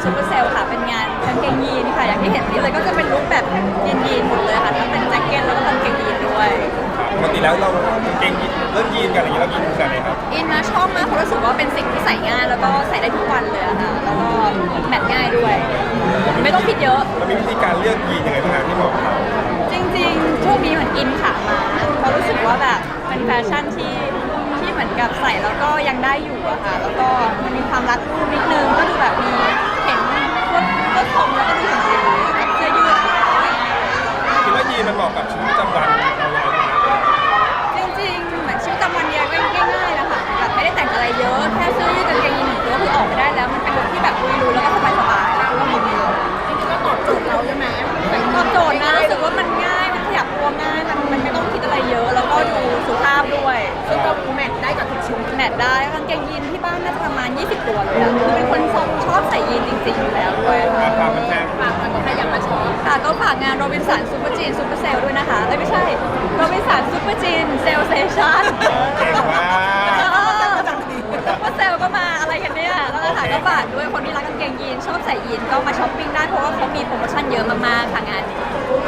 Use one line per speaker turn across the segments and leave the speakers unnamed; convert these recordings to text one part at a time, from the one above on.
ซูเปอร์เซลค่ะเป็นงานกางเกงยีนค่ะอย่างที่เห็นนี่เลยก็จะเป็นลุคแบบยีนหมดเลยค่ะทั้งเป็นแจ็คเก็ตแล้วก็กางเกงยีนด้วย
ปกติแล้วเราเกงยีนเริ่มยีนกันอะไรอย่างเงี้ยเรายีนกันไหนครับ
อินนะชอบมากเพราะรู้สึกว่าเป็นสิ่งที่ใส่ง่ายแล้วก็ใส่ได้ทุกวันเลยอะค่ะแล้วก็แมทง่ายด้วยไม่ต้องคิดเยอะ
เรามีวิธีการเลือกยีนยังไงบ้างที่เหมาะกับเรา
จริงๆช่วงนี้เหมือนอินขามาเพราะรู้สึกว่าแบบเป็นแฟชั่นที่เหมือนกับใส่แล้วก็ยังได้อยู่อะค่ะแล้วก็มันมีความรัดรูปนิดนึงก็ดูแบบมีเห็นต้นผมแล้วก็ดูถึงกับเสื้อยืด
คิดว่ายีนมันเหมาะกับชีวิตประจำวันเราอย่างไรบ้างครับ
จริงๆเหมือนชีวิตประจำวันเนี่ยก็ง่ายๆนะคะแบบไม่ได้แต่งอะไรเยอะแค่เสื้อยืดกางเกงยีนหนึ่งตัวคือออกไปได้แล้วมันเป็นลุคที่แบบลุยๆแล้วก็สบายๆแล้วก็มีจริงๆก็ตอบโจทย์เราใช่ไหมตอบโจทย์นะรู้สึกว่ามันง่ายมันขยับตัวง่ายมันไม่ต้องคิดอะไรเยอะแล้วก็ดูสุภาพด้วยซึ่งก็แมทได้กับทุกชุดแมทได้กางเกงยีนที่บ้านน่าจะประมาณ20ตัวเลยอะคือเป็นคนชอบใส่ยีนจริงๆอยู่แล้วด้วย
ราคามันแพง
ฝากมันใครอยากมาช็อปค่ะก็ฝากงานโรบินสันซูเปอร์จีนซูเปอร์เซลด้วยนะคะไม่ใช่โรบินสันซูเปอร์จีนเซลเซชั่น
เก่งมาก
ซูเปอร์เซลก็มาอะไรกันเนี่ยแล้วก็ค่ะก็ฝากด้วยคนที่รักกางเกงยีนชอบใส่ยีนก็มาช้อปปิ้งได้เพราะว่าเขามีโปรโมชั่นเยอะมากๆค่ะงานนี้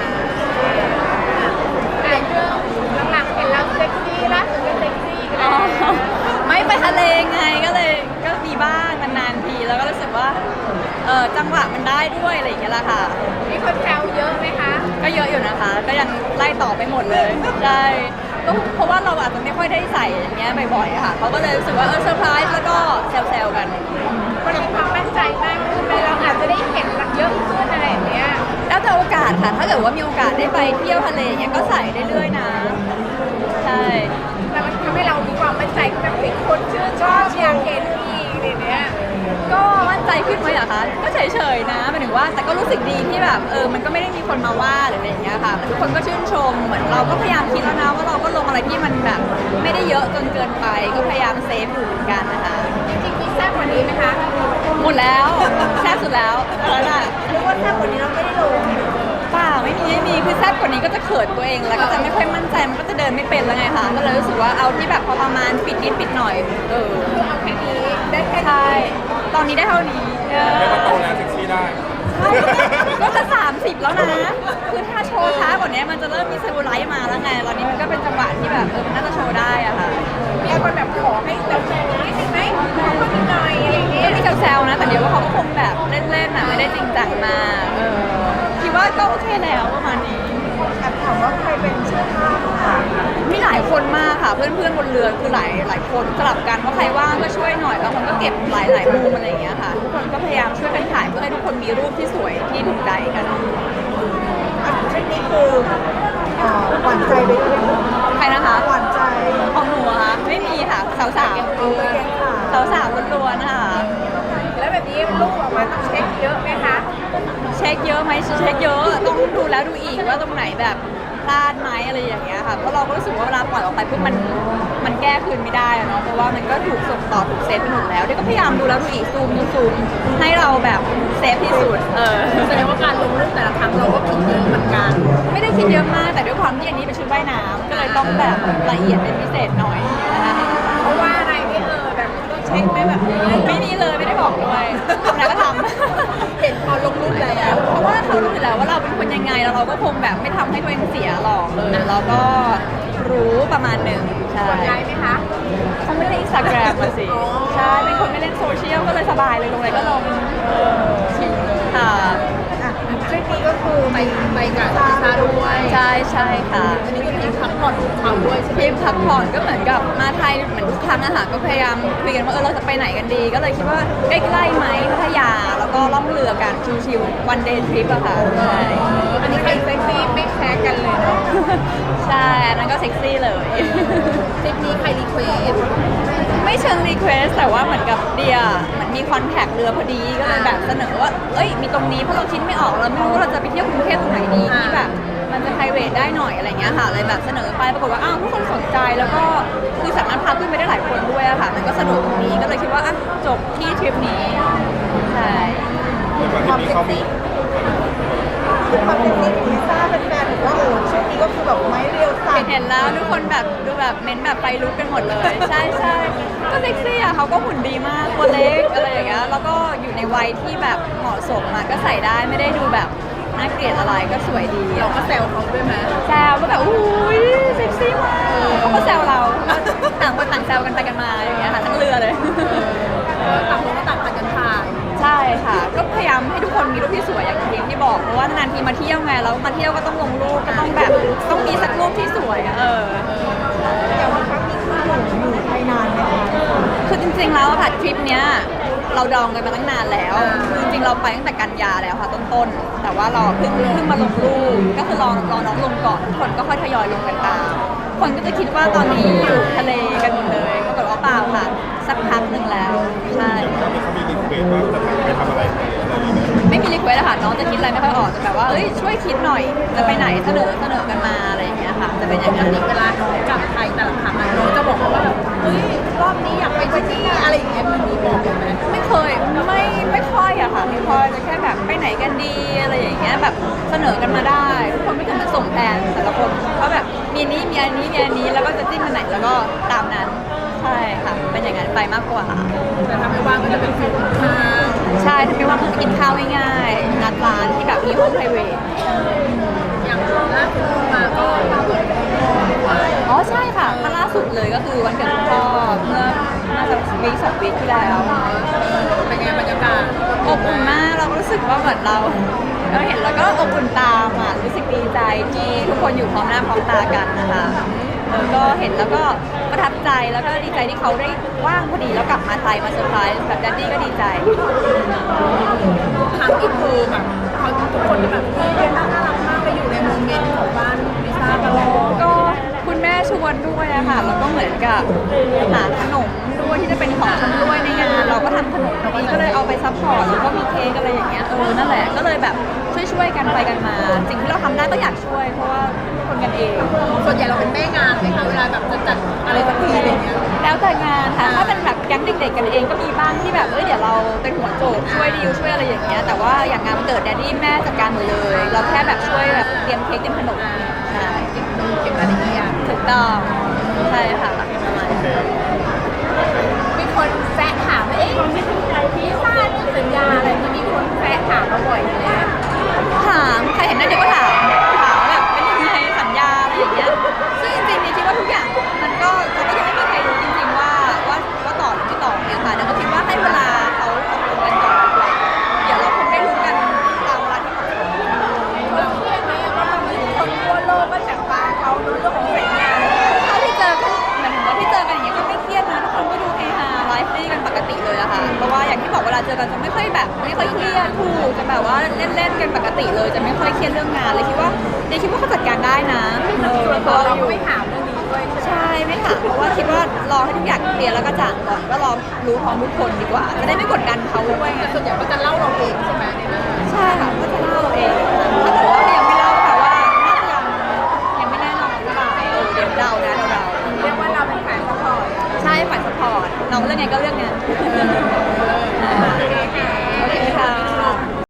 เรื่องหลังๆเห็นเราเซ็กซี่ล่าสุดก็เซ็กซี่กันแล้ว
ไม่ไปทะเลไงก็เลยก็มีบ้างนานๆทีแล้วก็รู้สึกว่าจังหวะมันได้ด้วยอะไรอย่างเงี้ยแหละค่ะ
มีคนแซวเยอะไหมคะ
ก็เยอะอยู่นะคะ ก็ยังไล่ต่อไปหมดเลยใช่ก็เพราะว่าเราอาจจะไม่ค่อยได้ใส่อย่างเงี้ยบ่อยๆค่ะเขาก็เลยรู้สึกว่าเซอร์ไพรส์แล้วก็แซวๆกัน
คนมีความมั่นใจมากขึ้นไหมเราอาจจะได้เห็นเยอะขึ้นอะไรอย่างเงี้ย
แล้วแต่โอกาสค่ะถ้าเกิดว่ามีโอกาสได้ไปเที่ยวทะเลอย่างเงี้ยก็ใส่ได้เรื่อยๆนะใช่
แต่มันทำให้เรามีความมั่นใจแบบเป็นคนชื่นชอบอยากเห็นอีกอะไรเนี้ย
ก็มั่นใจขึ้นไหมอะคะก็เฉยๆนะหมายถึงว่าแต่ก็รู้สึกดีที่แบบมันก็ไม่ได้มีคนมาว่าหรืออะไรอย่างเงี้ยค่ะทุกคนก็ชื่นชมเหมือนเราก็พยายามคิดแล้วนะว่าเราก็ลงอะไรที่มันแบบไม่ได้เยอะจนเกินไปก็พยายามเซฟอยู่เหมือนกันนะคะ
จริงๆมีแซ่บกว่านี้ไหมคะ
หมดแล้วแซ่บสุดแล้วแล้วน่ะ
หรือว่าแซ่บกว่านี้เราไม่ได้ลง
เปล่าไม่มีคือแซ่บกว่านี้ก็จะเขินตัวเองแล้วก็จะไม่ค่อยมั่นใจมันก็จะเดินไม่เป็นแล้วไงคะก็เลยรู้สึกว่าเอาที่แบบพอประมาณปิดนิดปิดหน่อย
คือเอาแค่นี้ได้แค่นี้
ใช่ตอนนี้ได้เท่านี้
เรียกว่าโตแล้วเซ็กซี่ได้
ใช่ก็จะ30แล้วนะคือถ้าโชว์ช้ากว่านี้มันจะเริ่มมีเซลลูไลท์มาแล้วไงตอนนี้มันก็เป็นจังหวะที่แบบมันน่าจะโชว์ได้อะค่ะ
มีคนแบบขอให้แบบแซวนิดนึงไหมขอคนนิดหน่อยอะไรอย่างเงี้
ก็
ย
มีแซวๆนะแต่เดี๋ยวว่าเขาก็คงแบบเล่นๆนะไม่ได้จริงจังมากคิดว่าก็โอเคแล้วประมาณนี้
แอบถามว่าใครเป็นช่างภาพค่ะ
มีหลายคนมากค่ะเพื่อนๆบนเรือคือหลายคนสลับกันว่าใครว่างก็ช่วยหน่อยบางคนก็เก็บหลายมุมอะไรอย่างเงี้ยค่ะทุกคนก็พยายามช่วยกันถ่ายเพื่อให้ทุกคนมีรูปที่สวยที่ถูกใจกัน
ชุดนี้คือหวานใจไปด้วยไหม
ใครนะคะ
หวานใจ
ของหนูอะคะไม่มีค่ะสาวสาวล้วนๆค่ะ
แล้วแบบนี้รูปออกมาต้องเช็คเยอะไหมคะ
เช็คเยอะไหมเช็คเยอะต้องดูแล้วดูอีกว่าตรงไหนแบบพลาดไหมอะไรอย่างเงี้ยค่ะเพราะเราก็รู้สึกว่าเวลาปล่อยออกไปปุ๊บมันแก้คืนไม่ได้อะเนาะเพราะว่ามันก็ถูกส่งต่อถูกเซฟไปหมดแล้วเดี๋ยวก็พยายามดูแล้วดูอีกซูมให้เราแบบเซฟที่สุด
แสดงว่าการลงรูปแต่ละครั้งเราก็คิดเยอะเหมือนกัน
ไม่ได้คิดเยอะมากแต่ด้วยความที่อันนี้เป็นชุดว่ายน้ำก็เลยต้องแบบละเอียดเป็นพิเศษหน่อยนะคะ
เพราะว่าอะไรไม่แบบต้องเช็คไหมแบบนี้
ไม่มีเลยไม่ได้บอกด้วยทำอะไรก็ทำ
เห็นพอลงรูปแล้ว
เพราะว่าเขารู้อยู่แล้วว่าเราเป็นคนยังไงแล้วเราก็คงแบบไม่ทำให้ตัวเองเสียหรอกเราก็รู้ประมาณหนึ่งใช่
กดไลค์ไหมคะ
เขาไม่ได้อินสตาแกรมมาสิ
อ๋อ
ใช่เป็นคนไม่เล่นโซเชียลก็เลยสบายเลยลงอะไรก็ลงค่ะ
ทริปนี้ก็คือไปกับลิซ่าด้วย
ใช่ใช่ค่ะ
อันนี้ก็มีพักผ่อนของเขาด้วยใช่ไหม
ทริปพักผ่อนก็เหมือนกับมาไทยเหมือนทุกครั้งอะค่ะก็พยายามคุยกันว่าเราจะไปไหนกันดี ก็เลยคิดว่าใกล้ๆไหมพัทยาแล้วก็ล่องเรือกันชิวๆวันเดย์ทริปอะค่ะใช่
อันนี้ใครเซ็กซี่ไม่แพ้กันเลยเนาะ
ใช่อันนั้นก็เซ็กซี่เลย
ทริปนี้ใครรีเควส
ไม่เชิงรีเควสแต่ว่าเหมือนกับเดียเหมือนมีคอนแทคเรือพอดีก็เลยแบบเสนอว่าเอ้ยมีตรงนี้เพราะเราคิดไม่ออกเราไม่รู้ว่าเราจะไปเที่ยวกรุงเทพตรงไหนดีที่แบบมันจะไพรเวทได้หน่อยอะไรเงี้ยค่ะเลยแบบเสนอไปปรากฏว่าอ้าวทุกคนสนใจแล้วก็คือสามารถพาขึ้นไปได้หลายคนด้วยอะค่ะมันก็สนุกตรงนี้ก็เลยคิดว่าอ่ะจบที่ทริปนี้ใช่
เหมือนว่าที่นี้เขามี
ความเป็นซีของลิซ่าเป็นแฟนๆบอกว่าโอ้ช่วงนี้ก็คือแบบไม้เรียวสั่น
เห็นแล้วทุกคนแบบดูแบบเม้นแบบไฟลุกกันหมดเลย ใช่ใช่ก็เซ็กซี่อ่ะเขาก็หุ่นดีมากตัวเล็กอะไรอย่างเงี้ยแล้วก็อยู่ในวัยที่แบบเหมาะสมอ่ะก็ใส่ได้ไม่ได้ดูแบบน่าเกลียดอะไรก็สวยดี
เราก็แซวเขาด้วยไหม
แซวก็แบบอุ้ยเซ็กซี่มากเขาก็แซวเราต่างคนต่างแซวกันไปกันมาอย่างเงี้ยค่ะทั้งเรือเลย
ต่างคนก็ต่างพากันถ่าย
ใช่ค่ะก็พยายามให้ทุกคนมีรูปที่สวยอย่างที่บอกเพราะว่านานๆทีมาเที่ยวไงแล้วมาเที่ยวก็ต้องลงรูปก็ต้องแบบต้องมีสักรูปที่สวยอะ
อย่างครั้งนี้คืออยู่ไปนานไหมคะ
คือจริงๆแล้วอะค่ะทริปเนี้ยเราดองกันมาตั้งนานแล้วคือจริงๆเราไปตั้งแต่กันยาแล้วค่ะต้นๆแต่ว่าเราเพิ่งมาลงรูปก็คือรอน้องลงก่อนคนก็ค่อยทยอยลงกันตามคนก็จะคิดว่าตอนนี้อยู่ทะเลกันหมดเลยปรากฏว่าเปล่าค่ะสักพักหนึ่งแล้วใช่
เขามีรีเควสว่าจะไปทำอะไรอะไรอย่างเงี้ย
ไม่มีรีเควสอะค่ะน้องจะคิดอะไรไม่ค่อยออกจะแบบว่าเอ้ยช่วยคิดหน่อยจะไปไหนเสนอกันมาอะไรอย่างเงี้ยค่ะจะเป็นอย่างนั้น
เวลาน้องกลับไทยแต่ละครั้งน้องจะบอกว่าแบบเฮ้ยรอบนี้อยากไปที่นี่อะไรอย่างเงี้ยมีบอกไหม
ไม่เคยไม่ค่อยอะค่ะไม่ค่อยจะแค่แบบไปไหนกันดีอะไรอย่างเงี้ยแบบเสนอกันมาได้ทุกคนก็จะมาส่งแผนแต่ละคนเขาแบบมีนี้มีอันนี้มีอันนี้แล้วก็จะจิ้มกันไหนแล้วก็ตามนั้นใช่ค่ะเป็นอย่างนั้นไปมากกว่า
แต่ถ้าไม่ว่างก็จะเป็นฟิลข้าว
ใช่ถ้าไม่ว่าเพิ่งไปกินข้าวง่ายๆนัดร้านที่แบบมีห้องไพรเวท
อย่างล่าสุดมาก็มาเปิดด้วย
อ๋อใช่ค่ะมาล่าสุดเลยก็คือวันเกิดคุณพ่อเมื่อน่าจะวีค2 วีคที่แล้ว
เป็นไงบรรยากาศ
อบอุ่นมากเรารู้สึกว่าเหมือนเราเห็นแล้วก็อบอุ่นตามอ่ะรู้สึกดีใจที่ทุกคนอยู่พร้อมหน้าพร้อมตากันนะคะก็เห็นแล้วก็ประทับใจแล้วก็ดีใจที่เขาได้ว่างพอดีแล้วกลับมาไทยมาเซอร์ไพรส์แบบแดดดี้ก็ดีใจ
ครั้งนี้คือแบบเขาทุกคนแบบน่ารักมากไปอยู่ในโมเมนต์ของบ้านลิซ่าตลอด
ก็คุณแม่ชวนด้วยอะค่ะแล้วก็เหมือนกับหาขนมด้วยที่จะเป็นของชำร่วยในงานเราก็ทำขนมพอดีก็เลยเอาไปซัพพอร์ตแล้วก็มีเค้กอะไรอย่างเงี้ยนั่นแหละก็เลยแบบช่วยกันไปกันมา สิ่งที่เราทำได้ก็อยากช่วยเพราะว่าคนกันเอง
ส่วนใหญ่เราเป็นแม่งานไหมคะเวลาแบบจะจัดอะไรสักทีอะไรเงี้ย
แล้วแต่งานค่ะถ้าเป็นแบบแก๊งเด็กๆกันเองก็มีบ้างที่แบบเดี๋ยวเราเป็นหัวโจกช่วยดีลช่วยอะไรอย่างเงี้ยแต่ว่าอย่างงานวันเกิดแดดดี้แม่จัดการหมดเลยเราแค่แบบช่วยแบบเตรียมเค้กเตรียมขนมใช่
เก็บรายละเอียด
ถูกต้องใช่ค่ะประมาณนั้น
มีคนแซะถามว่าเอ๊ะลิซ่าเนี่ยสัญญาอะไรที่มีคนแซะถามมาบ่อยเลย
ถามใครเห็นหน้าเด็กก็ถามแบบเป็นยังไงสัญญาอะไรอย่างเงี้ยซึ่งจริงๆนี่คิดว่าทุกอย่างมันก็เราก็ยังไม่มีใครรู้จริงๆว่าต่อหรือไม่ต่อเนี่ยค่ะแต่ก็คิดว่าให้เวลาเขาตกลงกันก่อนดีกว่าเดี๋ยวเราคงได้รู้กันตามเวลาที่เหมาะสม
เราเครียดไหมว่าตอนนี้คนทั่วโลกก็จับตาเขาเรื่องของสัญญา
เท่าที่เจอกันหมายถึงว่าที่เจอกันอย่างเงี้ยก็ไม่เครียดนะทุกคนก็ดูเฮฮาไลฟ์ดีกันปกติเลยอะค่ะเพราะว่าอย่างที่บอกเวลาเจอกันจะไม่ค่อยเครียดถูกจะแบบว่าเล่นๆกันปกติเลยจะไม่ค่อยเครียดเรื่องงานเลยคิดว่าเขาจัดการได้นะ
ส่วนตัวเราก็ไม่ถามเรื่องนี้ด้วย
ใช่ไม่ถามเพราะว่าคิดว่ารอให้ทุกอย่างเคลียร์แล้วก็จ่างก่อนก็รอรู้พร้อมทุกคนดีกว่าจะได้ไม่กดดันเขาด้วยไง
ส่วนใหญ่ก็จะเล่าเราเองใช่ไหม
ใช่ค่ะก็จะเล่าเองถ้าเกิดว่ายังไม่เล่าก็แปลว่าน่าจะยังไม่แน่นอนหรือเปล่าเดี๋ยวเดานะเรา
เรียกว่าเราเป็นฝ่ายซัพพอร์ต
ใช่ฝ่ายสปอร์ตน้องเรื่องไงก็เรื่องนั้น